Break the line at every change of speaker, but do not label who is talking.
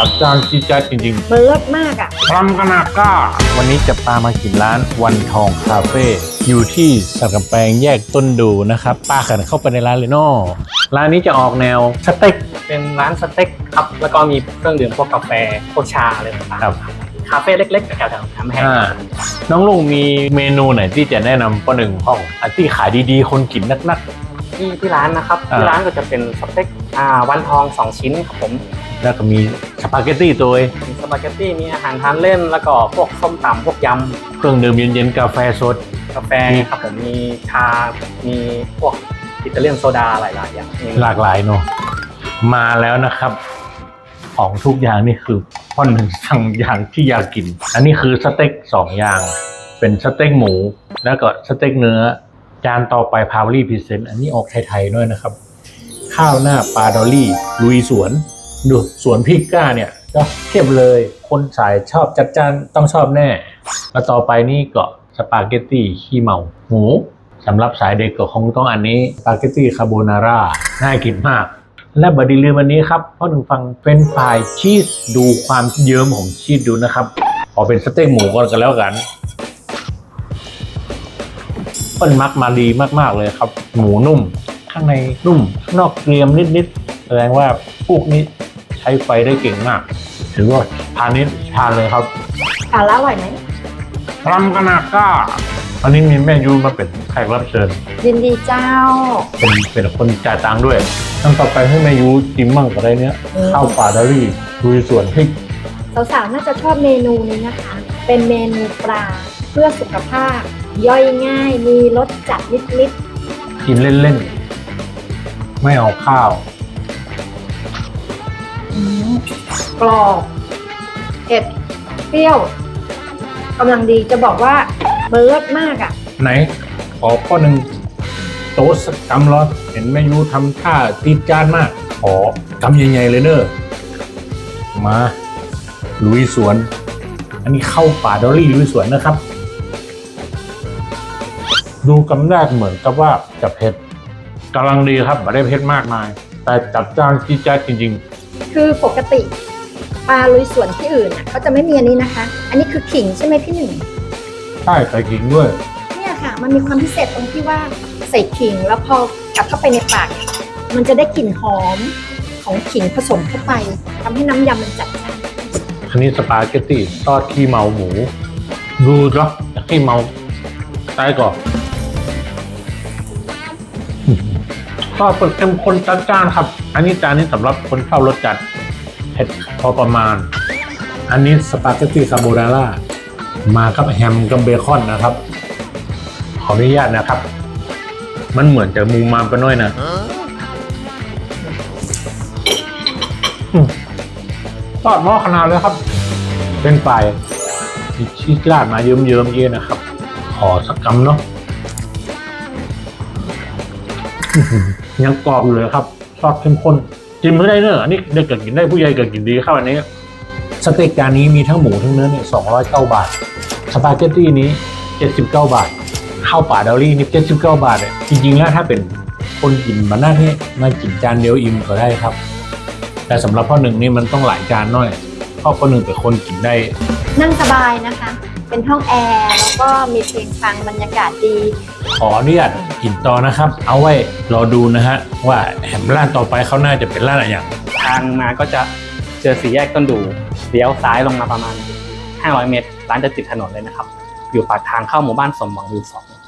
จัดจ้านจี๊ดจ๊าดจริง
มันเลิศมากอ่ะ
ๆพรำกนาก้าวันนี้จะพามากินร้านวันทองคาเฟ่อยู่ที่สันกำแพงแยกต้นดูนะครับป้าขันเข้าไปในร้านเลยเนาะร้านนี้จะออกแนวสเต็ก
เป็นร้านสเต็กครับแล้วก็มีเครื่องดื่มพวกกาแฟพวกชาอะไรต่าง
ครับ
ๆคาเฟ่เล็กๆแถวๆทำแห้ง
น้องลุงมีเมนูไหนที่จะแนะนำป้อหนึ่งห้องอันที่ขายดีๆคนกินนัก
ที่ร้านนะครับที่ร้านก็จะเป็นสเต็กวันทอง2ชิ้นครับผม
ๆแล้วก็มีสปาเกตตี้ตัว
มีสปาเกตตี้มีอาหารทานเล่นแล้วก็พวกส้มตำพวกย
เครื่องดื่มเย็นๆกาแฟสด
ำกาแฟครับผมมีชา มีพวกอิตาเลียนโซดาหลายๆอย่างมี
หลากหลายเนาะมาแล้วนะครับ ของทุกอย่างนี่คือพ่อหนึ่งสั่งอย่างที่อยากกิน อันนี้คือสเต็ก2อย่าง เป็นสเต็กหมูแล้วก็สเต็กเนื้อจานต่อไปพาวลี่พรีเซนต์อันนี้ออกไทยๆด้วยนะครับ ข้าวหน้าปลาดอลลี่ลุยสวนดูสวนพริกก้าเนี่ยก็เทียบเลย คนสายชอบจัดจ้านต้องชอบแน่ แล้วต่อไปนี่ก็สปาเกตตี้ขี้เมาหมูสำหรับสายเด็กก็คงต้องอันนี้สปาเกตตี้คาโบนาร่าน่ากินมาก และบดีลืมวันนี้ครับเพราะหนึ่งฟังเป็นฟรายชีสดูความเยิ้มของชีสดูนะครับขอเป็นสเต็กหมูก่อนกันแล้วกันเปิ้ลมักมาดีมากๆเลยครับ หมูนุ่ม ข้างในนุ่มข้างนอกเกรียมนิดๆแสดงว่าพวกนี้ใช้ไฟได้เก่งมาก ถือว่าทานนี้ทานเลยครับ
สาระอร่อยไหม
พรำกนาก้าอันนี้มีแม่ยูมาเป็นแขกรับเชิญ
ยินดีเจ้า
เป็นคนจ่ายตังค์ด้วยตั้งต่อไปให้แม่ยูจิ้มมั่งกับอะไรเนี้ยข้าวปลาดอรี่ลุยสวนพริก
สาวๆ น่าจะชอบเมนูนี้นะคะ เป็นเมนูปลาเพื่อสุขภาพ ย่อยง่าย มีรสจัดนิด
กินเล่นๆ ไม่เอาข้าว
ๆ กรอบเผ็ด เปรี้ยวกำลังดีจะบอกว่ามันเลิศมากอ่ะ
ไหน ขอข้อหนึ่งโต๊ะสักกำร้อนเห็นแม่ยูทำท่าตีดจานมาก ขอกำใหญ่ๆเลยเนอะมาลุยสวน อันนี้เข้าป่าดอลลี่ลุยสวนนะครับ ดูกำแรกเหมือนกับว่าจะเผ็ดกำลังดีครับไม่ได้เผ็ดมากมาย แต่จับจ้านจี๊ดจ๊าดจริง
คือปกติปลาลุยสวนที่อื่นอ่ะเขาจะไม่มีอันนี้นะคะ อันนี้คือขิงใช่ไหมพี่หนึ่ง
ๆ ใช่ใส่ขิงด้วย
เนี่ยค่ะ มันมีความพิเศษตรงที่ว่าใส่ขิงแล้วพอกัดเข้าไปในปาก มันจะได้กลิ่นหอมของขิงผสมเข้าไปทำให้น้ำยำมันจัดจ้าน
อันนี้สปาเกตตี้ทอดขี้เมาหมู ดูจ้ะขี้เมาตายก่อนทอดเข้มข้นจัดจ้านครับ อันนี้จานนี้สำหรับคนชอบรสจัดเผ็ดพอประมาณ อันนี้สปาเกตตี้คาโบนาร่ามากับแฮมกับเบคอนนะครับ ขออนุญาตนะครับ มันเหมือนจะมูมามไปหน่อยนะทอดหม้อขนาดเลยครับ เป็นไฟมีชีสราดมาเยิ้มๆเยอะนะครับ ขอสักคำเนาะยังกรอบอยู่เลยครับซอสเข้มข้นจิ้มไม่ได้เนอะอันนี้เด็กก็กินได้ผู้ใหญ่ก็กินดีครับอันนี้สเต็กจานนี้มีทั้งหมูทั้งเนื้อเนี่ย209 บาทสปาเกตตี้นี้79 บาทข้าวป่าดอลลี่นี่79 บาทเนี่ยจริงๆแล้วถ้าเป็นคนกินมาหน้าที่มากินจานเดียวอิ่มก็ได้ครับ แต่สำหรับพ่อหนึ่งนี่มันต้องหลายจานหน่อยเพราะพ่อหนึ่งเป็นคนกินได้
นั่งสบายนะคะ เป็นห้องแอร์แล้วก็มีเพลงฟังบรรยากาศดี
ขออนุญาตกินต่อนะครับ เอาไว้รอดูนะฮะว่าแหมร้านต่อไปเขาน่าจะเป็นร้านอะไรอย่าง
ทางมาก็จะเจอสี่แยกต้นดูเลี้ยวซ้ายลงมาประมาณ500 เมตร ร้านจะติดถนนเลยนะครับ อยู่ปากทางเข้าหมู่บ้านสมหวังวิว2